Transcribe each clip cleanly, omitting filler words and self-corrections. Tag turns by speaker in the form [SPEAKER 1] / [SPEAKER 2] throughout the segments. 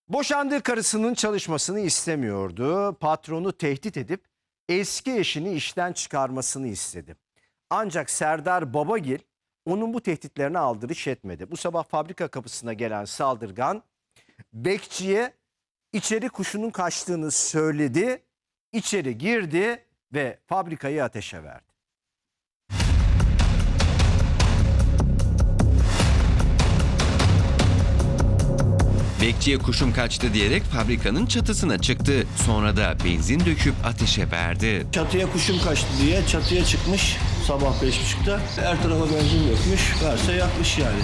[SPEAKER 1] Boşandığı karısının çalışmasını istemiyordu. Patronu tehdit edip eski eşini işten çıkarmasını istedi. Ancak Serdar Babagil onun bu tehditlerine aldırış etmedi. Bu sabah fabrika kapısına gelen saldırgan bekçiye içeri kuşunun kaçtığını söyledi. İçeri girdi ve fabrikayı ateşe verdi.
[SPEAKER 2] Bekçiye kuşum kaçtı diyerek fabrikanın çatısına çıktı. Sonra da benzin döküp ateşe verdi.
[SPEAKER 3] Çatıya kuşum kaçtı diye çatıya çıkmış sabah 5.30'da. Her tarafa benzin dökmüş, verse yakmış yani.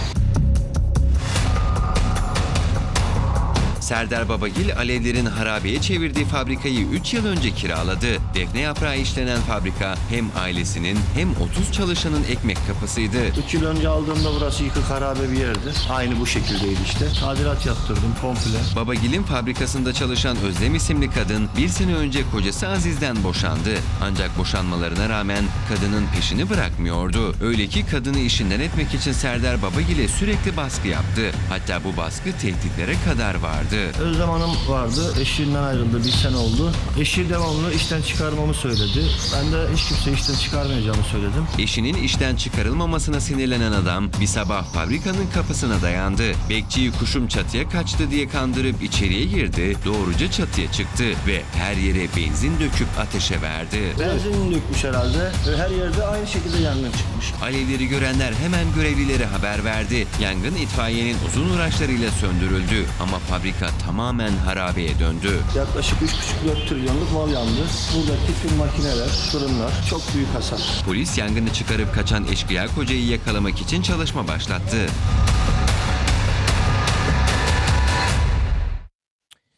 [SPEAKER 2] Serdar Babagil alevlerin harabeye çevirdiği fabrikayı 3 yıl önce kiraladı. Defne yaprağı işlenen fabrika hem ailesinin hem 30 çalışanın ekmek kapısıydı.
[SPEAKER 3] 3 yıl önce aldığımda burası yıkık harabe bir yerdi. Aynı bu şekildeydi işte. Tadilat yaptırdım komple.
[SPEAKER 2] Babagil'in fabrikasında çalışan Özlem isimli kadın bir sene önce kocası Aziz'den boşandı. Ancak boşanmalarına rağmen kadının peşini bırakmıyordu. Öyle ki kadını işinden etmek için Serdar Babagil'e sürekli baskı yaptı. Hatta bu baskı tehditlere kadar vardı.
[SPEAKER 3] Özlem Hanım vardı. Eşinden ayrıldı. Bir sene oldu. Eşi devamlı işten çıkarmamı söyledi. Ben de hiç kimseyi işten çıkarmayacağımı söyledim.
[SPEAKER 2] Eşinin işten çıkarılmamasına sinirlenen adam bir sabah fabrikanın kapısına dayandı. Bekçiyi kuşum çatıya kaçtı diye kandırıp içeriye girdi. Doğruca çatıya çıktı ve her yere benzin döküp ateşe verdi.
[SPEAKER 3] Benzin dökmüş herhalde. Her yerde aynı şekilde yangın çıkmış.
[SPEAKER 2] Alevleri görenler hemen görevlilere haber verdi. Yangın itfaiyenin uzun uğraşlarıyla söndürüldü ama fabrika tamamen harabeye döndü.
[SPEAKER 3] Yaklaşık 3,5-4 trilyonluk mal yandı. Buradaki tüm makineler, fırınlar çok büyük hasar.
[SPEAKER 2] Polis yangını çıkarıp kaçan eşkıya kocayı yakalamak için çalışma başlattı.